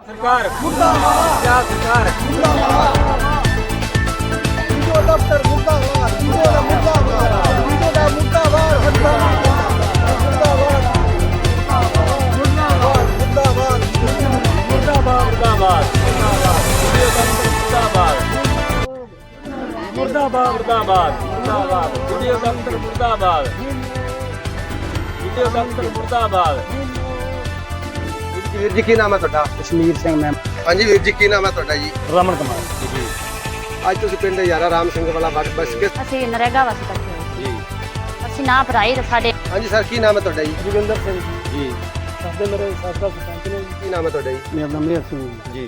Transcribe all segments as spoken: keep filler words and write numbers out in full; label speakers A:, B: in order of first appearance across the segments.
A: सरकार मुर्दाबाद सरकार मुर्दाबाद वीडियो दफ्तर मुर्दाबाद वीडियो दा मुर्दाबाद वीडियो दा मुर्दाबाद मुर्दाबाद मुर्दाबाद मुर्दाबाद मुर्दाबाद मुर्दाबाद वीडियो दफ्तर मुर्दाबाद मुर्दाबाद मुर्दाबाद मुर्दाबाद वीडियो दफ्तर मुर्दाबाद वीडियो दफ्तर मुर्दाबाद।
B: ਵੀਰ ਜੀ ਕੀ ਨਾਮ ਹੈ ਤੁਹਾਡਾ?
C: ਕਸ਼ਮੀਰ ਸਿੰਘ ਮੈਮ।
B: ਹਾਂਜੀ ਵੀਰ ਜੀ ਕੀ ਨਾਮ ਹੈ ਤੁਹਾਡਾ ਜੀ?
C: ਰਮਨ ਕੁਮਾਰ
B: ਜੀ ਅੱਜ ਤੁਸੀਂ ਪਿੰਡ ਯਾਰਾ ਰਾਮ ਸਿੰਘ ਵਾਲਾ ਬੱਸ ਬੱਸ ਕੇ
D: ਅਸੀਂ ਨਰੇਗਾ ਵਾਸਤੇ ਇਕੱਠੇ ਹੋਏ
B: ਜੀ
D: ਅਸੀਂ ਨਾ ਭਰਾਈ ਸਾਡੇ
B: ਹਾਂਜੀ ਸਰ ਕੀ ਨਾਮ ਹੈ ਤੁਹਾਡਾ ਜੀ?
C: ਜੋਗਿੰਦਰ ਸਿੰਘ
B: ਜੀ
C: ਸਾਡੇ ਮੇਰੇ ਸਾਬਕਾ ਸਰਪੰਚ ਨੇ
B: ਕੀ ਨਾਮ ਹੈ ਤੁਹਾਡਾ ਜੀ?
C: ਮੇਰਾ ਨਾਮ ਮੇਹਰ ਸਿੰਘ
B: ਜੀ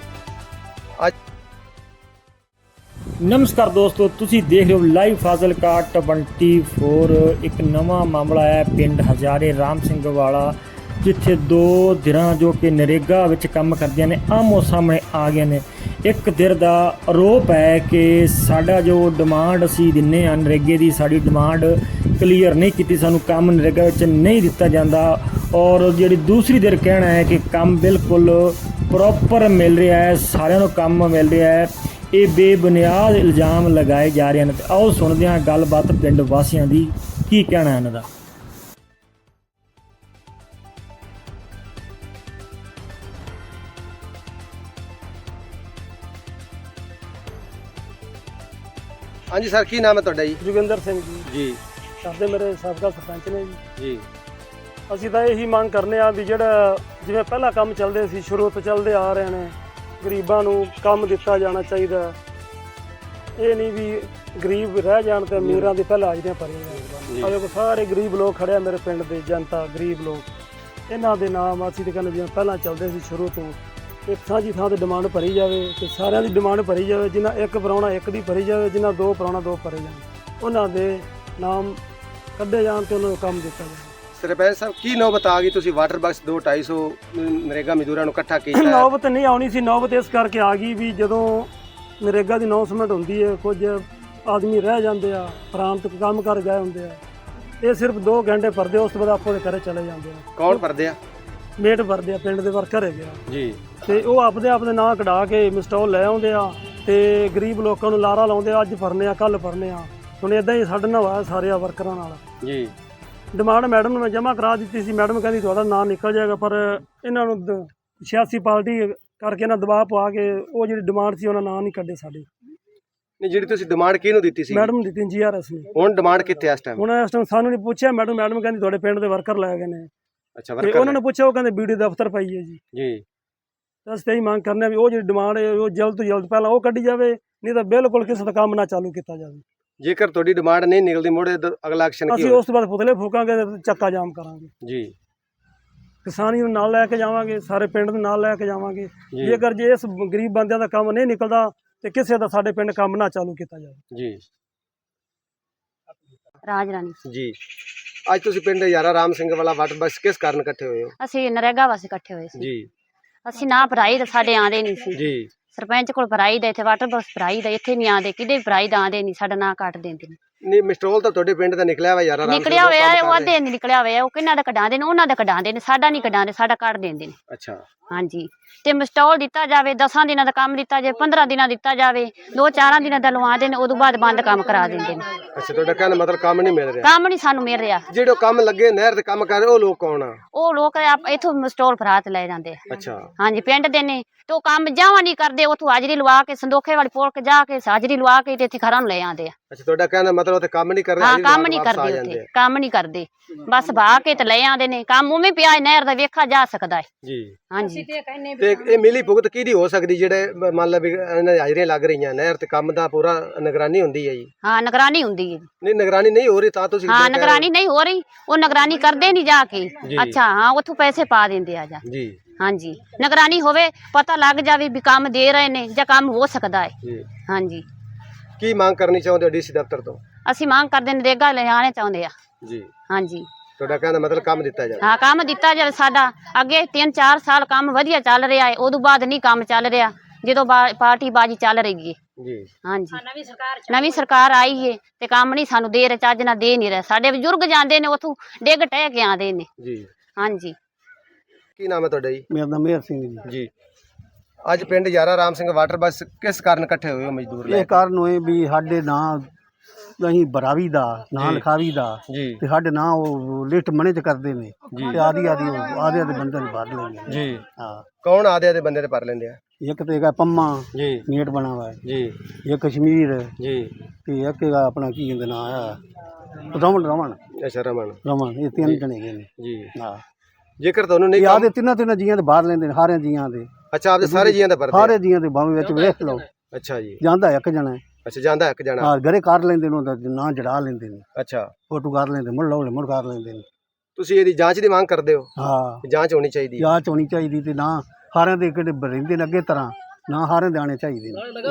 E: ਨਮਸਕਾਰ ਦੋਸਤੋ, ਤੁਸੀਂ ਦੇਖ ਰਹੇ ਹੋ ਲਾਈਵ ਫਾਜ਼ਿਲਕਾ ਚੌਬੀ। ਇੱਕ ਨਵਾਂ ਮਾਮਲਾ ਹੈ ਪਿੰਡ ਹਜ਼ਾਰੇ ਰਾਮ ਸਿੰਘ ਵਾਲਾ, ਜਿੱਥੇ ਦੋ ਧਿਰਾਂ ਜੋ ਕਿ ਨਰੇਗਾ ਵਿੱਚ ਕੰਮ ਕਰਦੀਆਂ ਨੇ ਆਮੋ ਸਾਹਮਣੇ ਆ ਗਏ ਨੇ। ਇੱਕ ਧਿਰ ਦਾ ਆਰੋਪ ਹੈ ਕਿ ਸਾਡਾ ਜੋ ਡਿਮਾਂਡ ਅਸੀਂ ਦਿੰਨੇ ਆ ਨਰੇਗੇ ਦੀ, ਸਾਡੀ ਡਿਮਾਂਡ ਕਲੀਅਰ ਨਹੀਂ ਕੀਤੀ, ਸਾਨੂੰ ਕੰਮ ਨਰੇਗਾ ਵਿੱਚ ਨਹੀਂ ਦਿੱਤਾ ਜਾਂਦਾ। ਔਰ ਜਿਹੜੀ ਦੂਸਰੀ ਧਿਰ ਕਹਿਣਾ ਹੈ ਕਿ ਕੰਮ ਬਿਲਕੁਲ ਪ੍ਰੋਪਰ ਮਿਲ ਰਿਹਾ ਹੈ, ਸਾਰਿਆਂ ਨੂੰ ਕੰਮ ਮਿਲ ਰਿਹਾ ਹੈ। ਇਹ ਬੇਬੁਨਿਆਦ ਇਲਜ਼ਾਮ ਲਗਾਏ ਜਾ ਰਹੇ ਹਨ। ਤੇ ਆਓ ਸੁਣਦੇ ਹਾਂ ਗੱਲਬਾਤ ਪਿੰਡ ਵਾਸੀਆਂ ਦੀ, ਕੀ ਕਹਿਣਾ ਹੈ ਇਹਨਾਂ ਦਾ।
B: ਹਾਂਜੀ ਸਰ ਕੀ ਨਾਮ ਹੈ ਤੁਹਾਡਾ ਜੀ?
C: ਜੋਗਿੰਦਰ ਸਿੰਘ ਜੀ
B: ਜੀ
C: ਸਾਡੇ ਮੇਰੇ ਸਾਬਕਾ ਸਰਪੰਚ ਨੇ ਜੀ।
B: ਜੀ
C: ਅਸੀਂ ਤਾਂ ਇਹੀ ਮੰਗ ਕਰਨੇ ਆ ਵੀ ਜਿਹੜਾ ਜਿਵੇਂ ਪਹਿਲਾਂ ਕੰਮ ਚੱਲਦੇ ਸੀ, ਸ਼ੁਰੂ ਤੋਂ ਚੱਲਦੇ ਆ ਰਹੇ ਨੇ, ਗਰੀਬਾਂ ਨੂੰ ਕੰਮ ਦਿੱਤਾ ਜਾਣਾ ਚਾਹੀਦਾ। ਇਹ ਨਹੀਂ ਵੀ ਗਰੀਬ ਰਹਿ ਜਾਣ ਤੇ ਅਮੀਰਾਂ ਦੀ ਪਹਿਲਾਂ ਹਾਜ਼ਰੀਆਂ ਭਰੀਆਂ ਜਾਣ। ਸਾਰੇ ਗਰੀਬ ਲੋਕ ਖੜਿਆ ਮੇਰੇ ਪਿੰਡ ਦੇ, ਜਨਤਾ ਗਰੀਬ ਲੋਕ, ਇਹਨਾਂ ਦੇ ਨਾਮ ਅਸੀਂ ਤੇ ਕਹਿੰਦੇ ਜਿਵੇਂ ਪਹਿਲਾਂ ਚੱਲਦੇ ਸੀ ਸ਼ੁਰੂ ਤੋਂ, ਇੱਕ ਸਾਂਝੀ ਥਾਂ ਤੇ ਡਿਮਾਂਡ ਭਰੀ ਜਾਵੇ ਤੇ ਸਾਰਿਆਂ ਦੀ ਡਿਮਾਂਡ ਭਰੀ ਜਾਵੇ। ਜਿਨ੍ਹਾਂ ਇੱਕ ਪ੍ਰਾਹੁਣਾ ਇੱਕ ਦੀ ਭਰੀ ਜਾਵੇ, ਜਿਨ੍ਹਾਂ ਦੋ ਪ੍ਰਾਹੁਣਾ ਦੋ ਭਰੇ ਜਾਣ, ਉਹਨਾਂ ਦੇ ਨਾਮ ਕੱਢੇ ਜਾਣ ਤੇ ਉਹਨਾਂ ਨੂੰ ਕੰਮ ਦਿੱਤਾ ਜਾਵੇ।
B: ਸਰਪੰਚ ਸਾਹਿਬ ਕੀ ਨੌਬਤ ਆ ਗਈ? ਤੁਸੀਂ ਵਾਟਰ ਬਾਕਸ ਦੋ ਢਾਈ ਸੌ ਨਰੇਗਾ ਮਜ਼ਦੂਰਾਂ ਨੂੰ ਇਕੱਠਾ ਕੀਤਾ ਹੈ।
C: ਨੌਬਤ ਨਹੀਂ ਆਉਣੀ ਸੀ, ਨੌਬਤ ਇਸ ਕਰਕੇ ਆ ਗਈ ਵੀ ਜਦੋਂ ਨਰੇਗਾ ਦੀ ਅਨਾਉਂਸਮੈਂਟ ਹੁੰਦੀ ਹੈ, ਕੁਝ ਆਦਮੀ ਰਹਿ ਜਾਂਦੇ ਆ, ਪ੍ਰਾਂਤ ਕੰਮ ਕਰ ਗਏ ਹੁੰਦੇ ਆ, ਇਹ ਸਿਰਫ ਦੋ ਘੰਟੇ ਭਰਦੇ, ਉਸ ਤੋਂ ਬਾਅਦ ਆਪੋ ਦੇ ਘਰੇ ਚਲੇ ਜਾਂਦੇ ਆ।
B: ਕੌਣ ਭਰਦੇ ਆ?
C: ਮੇਟ ਭਰਦੇ ਆ, ਪਿੰਡ ਦੇ ਵਰਕਰ ਹੈਗੇ ਆ
B: ਜੀ।
C: ਤੇ ਉਹ ਆਪਦੇ ਆਪਦੇ ਨਾਂ ਕਢਾ ਕੇ ਮਿਸਟੋਲ ਲੈ ਆਉਂਦੇ ਆ ਤੇ ਗਰੀਬ ਲੋਕਾਂ ਨੂੰ ਲਾਰਾ ਲਾਉਂਦੇ ਆ, ਅੱਜ ਭਰਨੇ ਆ ਕੱਲ ਭਰਨੇ ਆ। ਹੁਣ ਇਦਾਂ ਹੀ ਸਾਡੇ ਨਾਲ ਹੋਇਆ ਸਾਰੇ ਵਰਕਰਾਂ ਨਾਲ।
B: ਜੀ
C: ਡਿਮਾਂਡ ਮੈਡਮ ਨੂੰ ਮੈਂ ਜਮ੍ਹਾਂ ਕਰਾ ਦਿੱਤੀ ਸੀ, ਮੈਡਮ ਕਹਿੰਦੀ ਤੁਹਾਡਾ ਨਾਂ ਨਿਕਲ ਜਾਏਗਾ, ਪਰ ਇਹਨਾਂ ਨੂੰ ਦ- ਸਿਆਸੀ ਪਾਰਟੀ ਕਰਕੇ ਨਾ ਦਬਾਅ ਪਾ ਕੇ ਉਹ ਜਿਹੜੀ ਡਿਮਾਂਡ ਸੀ ਉਹਨਾਂ ਨਾਂ ਨਹੀਂ ਕੱਢੇ ਸਾਡੇ।
B: ਨਹੀਂ ਜਿਹੜੀ ਤੁਸੀਂ ਡਿਮਾਂਡ ਕਿਹਨੂੰ ਦਿੱਤੀ ਸੀ?
C: ਮੈਡਮ ਨੂੰ ਦਿੱਤੀ ਜੀ ਆਰ ਐਸ ਨੇ।
B: ਹੁਣ ਡਿਮਾਂਡ ਕਿੱਥੇ ਆ ਇਸ ਟਾਈਮ?
C: ਹੁਣ ਇਸ ਟਾਈਮ ਸਾਨੂੰ ਨਹੀਂ ਪੁੱਛਿਆ, ਮੈਡਮ ਮੈਡਮ ਕਹਿੰਦੀ ਤੁਹਾਡੇ ਪਿੰਡ ਦੇ ਵਰਕਰ ਲੈ ਗਏ ਨੇ।
B: ਅੱਛਾ
C: ਤੇ
B: ਵਰਕਰ
C: ਉਹਨਾਂ ਨੇ ਪੁੱਛਿਆ, ਉਹ ਕਹਿੰਦੇ ਬੀਡੀ ਦਫ਼ਤਰ ਪਈ ਹੈ ਜੀ।
B: ਜੀ
C: ਅਸੀਂ ਤਾਂ ਇਹੀ ਮੰਗ ਕਰਨੇ ਆ ਵੀ ਉਹ ਜਿਹੜੀ ਡਿਮਾਂਡ ਹੈ ਉਹ ਜਲਦ ਤੋਂ ਜਲਦ ਪਹਿਲਾਂ ਉਹ ਕੱਢੀ ਜਾਵੇ, ਨਹੀਂ ਤਾਂ ਬਿਲਕੁਲ ਕਿਸੇ ਦਾ ਕੰਮ ਨਾ ਚਾਲੂ ਕੀਤਾ ਜਾਵੇ।
B: ਜੇਕਰ ਤੁਹਾਡੀ ਡਿਮਾਂਡ ਨਹੀਂ ਨਿਕਲਦੀ ਮੋੜੇ ਅਗਲਾ ਐਕਸ਼ਨ ਕੀ
C: ਅਸੀਂ
B: ਹੋਵੇ?
C: ਉਸ ਤੋਂ ਬਾਅਦ ਪੁਤਲੇ ਫੂਕਾਂਗੇ ਤੇ ਚੱਕਾ ਜਾਮ ਕਰਾਂਗੇ।
B: ਜੀ
C: ਕਿਸਾਨੀ ਨੂੰ ਨਾਲ ਲੈ ਕੇ ਜਾਵਾਂਗੇ, ਸਾਰੇ ਪਿੰਡ ਨੂੰ ਨਾਲ ਲੈ ਕੇ ਜਾਵਾਂਗੇ। ਜੇਕਰ ਜੇ ਇਸ ਗਰੀਬ ਬੰਦਿਆਂ ਦਾ ਕੰਮ ਨਹੀਂ ਨਿਕਲਦਾ ਤੇ ਕਿਸੇ ਦਾ ਸਾਡੇ ਪਿੰਡ ਕੰਮ ਨਾ ਚਾਲੂ ਕੀਤਾ ਜਾਵੇ।
B: ਜੀ
D: ਰਾਜ ਰਾਣੀ
B: ਜੀ ਅੱਜ ਤੁਸੀਂ ਪਿੰਡ ਯਾਰਾ ਰਾਮ ਸਿੰਘ ਵਾਲਾ ਵਾਟਰ ਬੱਸ ਕਿਸ ਕਾਰਨ ਇਕੱਠੇ ਹੋਏ ਹੋ?
D: ਅਸੀਂ ਨਰੇਗਾ ਵਾਸਤੇ ਇਕੱਠੇ ਹੋਏ ਸੀ।
B: ਜੀ
D: ਅਸੀਂ ਨਾ ਭਰਾਈ ਤੇ ਸਾਡੇ ਆਂਦੇ ਨਹੀਂ ਸੀ।
B: ਜੀ
D: ਸਰਪੰਚ ਕੋਲ ਭਰਾਈ ਦਾ, ਇੱਥੇ ਵਾਟਰ ਬੱਸ ਭਰਾਈ ਦਾ, ਇੱਥੇ ਨਹੀਂ ਆਂਦੇ, ਕਿਤੇ ਵੀ ਭਰਾਈ ਦਾ ਆਂਦੇ ਨਹੀਂ, ਸਾਡਾ ਨਾਂ ਕੱਟ ਦਿੰਦੇ ਨੇ।
B: ਨਹੀਂ ਮਿਸਟਰੋਲ ਤਾਂ ਤੁਹਾਡੇ ਪਿੰਡ ਦਾ ਨਿਕਲਿਆ ਵਾ ਯਾਰਾ ਰਾਮ ਸਿੰਘ
D: ਨਿਕਲਿਆ ਹੋਇਆ ਉਹ ਅੱਧੇ ਨਹੀਂ ਨਿਕਲਿਆ ਹੋਇਆ, ਉਹ ਕਿਹਨਾਂ ਦਾ ਕਢਾਉਂਦੇ ਨੇ, ਉਹਨਾਂ ਦਾ ਕਢਾਉਂਦੇ ਨੇ, ਸਾਡਾ ਨਹੀਂ ਕਢਾਉਂਦੇ, ਸਾਡਾ ਕੱਢ ਦਿੰਦੇ ਨੇ।
B: ਅੱਛਾ
D: ਹਾਂਜੀ ਤੇ ਮਿਸਟੋਲ ਦਿੱਤਾ ਜਾਵੇ, ਦਸਾਂ ਦਿਨਾਂ ਦਾ ਕੰਮ ਦਿੱਤਾ ਜਾਵੇ, ਪੰਦਰਾਂ ਦਿਨਾਂ ਦਿੱਤਾ ਜਾਵੇ, ਦੋ ਚਾਰਾਂ ਦਿਨਾਂ ਦਾ ਲਵਾਉਂਦੇ ਨੇ, ਉਦੋਂ ਬਾਅਦ ਬੰਦ ਕੰਮ ਕਰਾ ਦਿੰਦੇ ਨੇ।
B: ਅੱਛਾ ਤੁਹਾਡਾ ਕਹਿਣ ਮਤਲਬ ਕੰਮ ਨਹੀਂ ਮਿਲ ਰਿਹਾ?
D: ਕੰਮ ਨਹੀਂ ਸਾਨੂੰ ਮਿਲ ਰਿਹਾ।
B: ਜਿਹੜੇ ਕੰਮ ਲੱਗੇ ਨਹਿਰ ਤੇ ਕੰਮ ਕਰ ਰਹੇ ਉਹ ਲੋਕ ਕੌਣ ਆ?
D: ਉਹ ਲੋਕ ਆਪ ਇੱਥੋਂ ਮਿਸਟੋਲ ਫਰਾਤ ਲੈ ਜਾਂਦੇ ਆ।
B: ਅੱਛਾ
D: ਹਾਂਜੀ ਪਿੰਡ ਦੇ ਨੇ, ਤੇ ਉਹ ਕੰਮ ਜਾਵਾਂ ਨਹੀਂ ਕਰਦੇ, ਉੱਥੋਂ ਹਾਜ਼ਰੀ ਲਵਾ ਕੇ ਸੰਦੋਖੇ ਵਾਲੀ ਪੋਲ ਕੇ ਜਾ ਕੇ ਹਾਜ਼ਰੀ ਲਵਾ ਕੇ ਤੇ ਇੱਥੇ ਘਰਾਂ ਨੂੰ ਲੈ ਆਉਂਦੇ ਆ।
B: ਅੱਛਾ ਤੁਹਾਡਾ ਕਹਿਣ ਮਤਲਬ ਉੱਥੇ ਕੰਮ ਨਹੀਂ ਕਰ ਰਹੇ?
D: ਹਾਂ ਕੰਮ ਨਹੀਂ ਕਰਦੇ, ਉੱਥੇ ਕੰਮ ਨਹੀਂ ਕਰਦੇ, ਬਸ ਭਾ ਕੇ ਤੇ ਲੈ ਆਉਂਦੇ ਨੇ। ਕੰਮ ਉਵੇਂ ਪਿਆ ਨਹਿਰ ਦਾ ਵੇਖਾ ਜਾ ਸਕਦਾ ਹੈ
B: ਜੀ।
D: ਹਾਂਜੀ
B: ਤੇ ਇਹ ਮਿਲੀ ਭੁਗਤ ਕਿਹਦੀ ਹੋ ਸਕਦੀ ਜਿਹੜੇ ਮੰਨ ਲਾ ਵੀ ਇਹਨਾਂ ਦੀ ਹਾਜ਼ਰੀਆਂ ਲੱਗ ਰਹੀਆਂ ਨਹਿਰ ਤੇ ਕੰਮ ਦਾ ਪੂਰਾ ਨਿਗਰਾਨੀ ਹੁੰਦੀ ਹੈ ਜੀ?
D: ਹਾਂ ਨਿਗਰਾਨੀ ਹੁੰਦੀ ਹੈ।
B: ਨਹੀਂ ਨਿਗਰਾਨੀ ਨਹੀਂ ਹੋ ਰਹੀ ਤਾਂ ਤੁਸੀਂ
D: ਹਾਂ ਨਿਗਰਾਨੀ ਨਹੀਂ ਹੋ ਰਹੀ, ਉਹ ਨਿਗਰਾਨੀ ਕਰਦੇ ਨਹੀਂ ਜਾ ਕੇ। ਅੱਛਾ ਹਾਂ ਉੱਥੋਂ ਪੈਸੇ ਪਾ ਦਿੰਦੇ ਆ ਜਾ।
B: ਜੀ
D: ਹਾਂਜੀ ਨਿਗਰਾਨੀ ਹੋਵੇ, ਪਤਾ ਲੱਗ ਜਾਵੇ ਵੀ ਕੰਮ ਦੇ ਰਹੇ ਨੇ ਜਾਂ ਕੰਮ ਹੋ ਸਕਦਾ ਹੈ।
B: ਜੀ
D: ਹਾਂਜੀ
B: ਕੀ ਮੰਗ ਕਰਨੀ ਚਾਹੁੰਦੇ ਹੋ ਡੀਸੀ ਦਫ਼ਤਰ ਤੋਂ?
D: ਅਸੀਂ ਮੰਗ ਕਰਦੇ ਨਰੇਗਾ ਲਿਆਣੇ ਚਾਹੁੰਦੇ ਆ।
B: ਜੀ
D: ਹਾਂਜੀ
B: ਤੁਹਾਡਾ ਕਹਿਣ ਦਾ ਮਤਲਬ ਕੰਮ ਦਿੱਤਾ ਜਾਵੇ?
D: ਹਾਂ ਕੰਮ ਦਿੱਤਾ ਜਾਵੇ ਸਾਡਾ। ਅੱਗੇ ਤਿੰਨ ਚਾਰ ਸਾਲ ਕੰਮ ਵਧੀਆ ਚੱਲ ਰਿਹਾ ਹੈ, ਉਦੋਂ ਬਾਅਦ ਨਹੀਂ ਕੰਮ ਚੱਲ ਰਿਹਾ ਜਦੋਂ ਪਾਰਟੀ ਬਾਜੀ ਚੱਲ ਰਹੀ ਹੈ।
B: ਜੀ
D: ਹਾਂਜੀ ਨਵੀਂ ਸਰਕਾਰ ਆਈ ਹੈ ਤੇ ਕੰਮ ਨਹੀਂ ਸਾਨੂੰ ਦੇ ਰਹੇ, ਚੱਜ ਨਾਲ ਦੇ ਨਹੀਂ ਰਹੇ। ਸਾਡੇ ਬਜ਼ੁਰਗ ਜਾਂਦੇ ਨੇ ਉੱਥੋਂ ਡਿੱਗ ਟਹਿ ਕੇ ਆਉਂਦੇ ਨੇ।
B: ਜੀ
D: ਹਾਂਜੀ
B: ਕੀ ਨਾਮ ਹੈ ਤੁਹਾਡਾ ਜੀ?
C: ਮੇਰਾ ਨਾਮ ਮੇਹਰ ਸਿੰਘ ਜੀ।
B: ਜੀ ਅੱਜ ਪਿੰਡ ਯਾਰਾ ਰਾਮ ਸਿੰਘ ਵਾਟਰ ਬਸ ਕਿਸ ਕਾਰਨ ਇਕੱਠੇ ਹੋਏ ਹੋ ਮਜ਼ਦੂਰ ਲੈ
F: ਇਹ ਕਾਰਨ ਹੋਏ ਵੀ ਸਾਡੇ ਨਾਂ ਅਸੀਂ ਭਰਾਵੀ ਦਾ ਨਾਂ ਲਿਖਾਵੀ ਦਾ
B: ਜੀ
F: ਤੇ ਸਾਡੇ ਨਾਂ ਉਹ ਲਿਸਟ ਮਨੇ ਚ ਕਰਦੇ ਨੇ ਤੇ ਆਦੀ ਆਦੀ ਆਦੇ ਆਦੇ ਬੰਦੇ ਨੂੰ ਭਰ ਲੈਂਦੇ
B: ਜੀ
F: ਹਾਂ।
B: ਕੌਣ ਆਦੇ ਦੇ ਬੰਦੇ ਤੇ ਭਰ ਲੈਂਦੇ ਆ?
F: ਇੱਕ ਤੇ ਹੈਗਾ ਪੰਮਾ
B: ਜੀ
F: ਮੀਟ ਬਣਾ ਵਾ
B: ਜੀ
F: ਇੱਕ ਕਸ਼ਮੀਰ
B: ਜੀ
F: ਤੇ ਇੱਕ ਹੈਗਾ ਆਪਣਾ ਕੀ ਕਹਿੰਦੇ ਨਾਂ ਆ ਰਮਨ ਰਮਨ
B: ਅੱਛਾ ਰਮਨ
F: ਰਮਨ ਇਹ ਤਿੰਨ ਜਣੇ ਹੈਗੇ ਨੇ
B: ਜੀ
F: ਹਾਂ।
B: ਜੇਕਰ ਤੁਹਾਨੂੰ ਨਹੀਂ
F: ਇਹ
B: ਕੰਮ
F: ਆਦੇ ਤਿੰਨਾਂ ਤਿੰਨਾਂ ਜੀਆਂ ਦੇ ਬਾਹਰ ਲੈਂਦੇ ਨੇ ਸਾਰਿਆਂ ਜੀਆਂ ਦੇ
B: ਅੱਛਾ ਆਪਦੇ ਸਾਰੇ ਜੀਆਂ ਦਾ ਭਰਦੇ
F: ਸਾਰੇ ਜੀਆਂ ਦੇ ਬਾਵੇਂ ਵਿੱਚ ਵੇਖ ਲਓ
B: ਅੱਛਾ ਜੀ
F: ਜਾਂਦਾ ਇੱਕ ਜਣਾ
B: ਅੱਛਾ ਜਾਂਦਾ ਇੱਕ ਜਣਾ
F: ਹਾਂ ਘਰੇ ਕਰ ਲੈਂਦੇ ਨੇ ਉਹਦਾ ਨਾਂ ਜੜਾ ਲੈਂਦੇ ਨੇ
B: ਅੱਛਾ
F: ਫੋਟੋ ਕਰ ਲੈਂਦੇ ਮੁੜ ਲਾਉਲੇ ਮੁੜ ਕਰ ਲੈਂਦੇ ਨੇ
B: ਤੁਸੀਂ ਇਹਦੀ ਜਾਂਚ ਦੀ ਮੰਗ ਕਰਦੇ ਹੋ
F: ਹਾਂ।
B: ਕਿ ਜਾਂਚ ਹੋਣੀ ਚਾਹੀਦੀ ਹੈ?
F: ਜਾਂਚ ਹੋਣੀ ਚਾਹੀਦੀ ਤੇ ਨਾ ਹਾਰਿਆਂ ਦੇ ਕਿਹੜੇ ਰਹਿੰਦੇ ਨੇ ਅੱਗੇ ਤਰ੍ਹਾਂ ਨਾ ਹਾਰਿਆਂ ਦੇ ਆਣੇ ਚਾਹੀਦੇ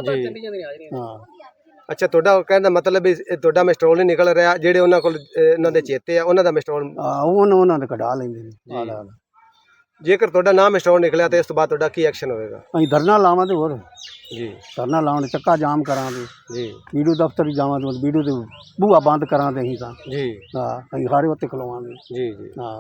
F: ਨੇ ਹਾਂ।
B: ਅੱਛਾ ਤੁਹਾਡਾ ਕਹਿੰਦਾ ਮਤਲਬ ਵੀ ਇਹ ਤੁਹਾਡਾ ਮਿਸਟਰੋਲ ਨਹੀਂ ਨਿਕਲ ਰਿਹਾ, ਜਿਹੜੇ ਉਹਨਾਂ ਕੋਲ ਅਹ, ਉਹਨਾਂ ਦੇ ਚੇਤੇ ਆ ਉਹਨਾਂ ਦਾ ਮਿਸਟਰੋਲ।
F: ਆ ਉਹਨਾਂ ਉਹਨਾਂ ਦੇ ਕਢਾ ਲੈਂਦੇ ਨੇ ਆਲਾ ਆਲਾ।
B: ਜੇਕਰ ਤੁਹਾਡਾ ਨਾ ਮਿਸਟਰੋਲ ਨਿਕਲਿਆ ਤੇ ਇਸ ਤੋਂ ਬਾਅਦ ਤੁਹਾਡਾ ਕੀ ਐਕਸ਼ਨ ਹੋਵੇਗਾ?
F: ਅਸੀਂ ਧਰਨਾ ਲਾਵਾਂਗੇ ਹੋਰ
B: ਜੀ
F: ਧਰਨਾ ਲਾਉਣ ਚੱਕਾ ਜਾਮ ਕਰਾਂਗੇ
B: ਜੀ
F: ਵੀਡੀਓ ਦਫ਼ਤਰ ਹੀ ਜਾਵਾਂਗੇ ਵੀਡੀਓ ਦੇ ਬੂਹਾ ਬੰਦ ਕਰਾਂਗੇ ਅਸੀਂ ਤਾਂ
B: ਜੀ
F: ਹਾਂ ਅਸੀਂ ਹਾਰੇ ਉੱਤੇ ਖਲੋਵਾਂਗੇ
B: ਜੀ ਜੀ
F: ਹਾਂ।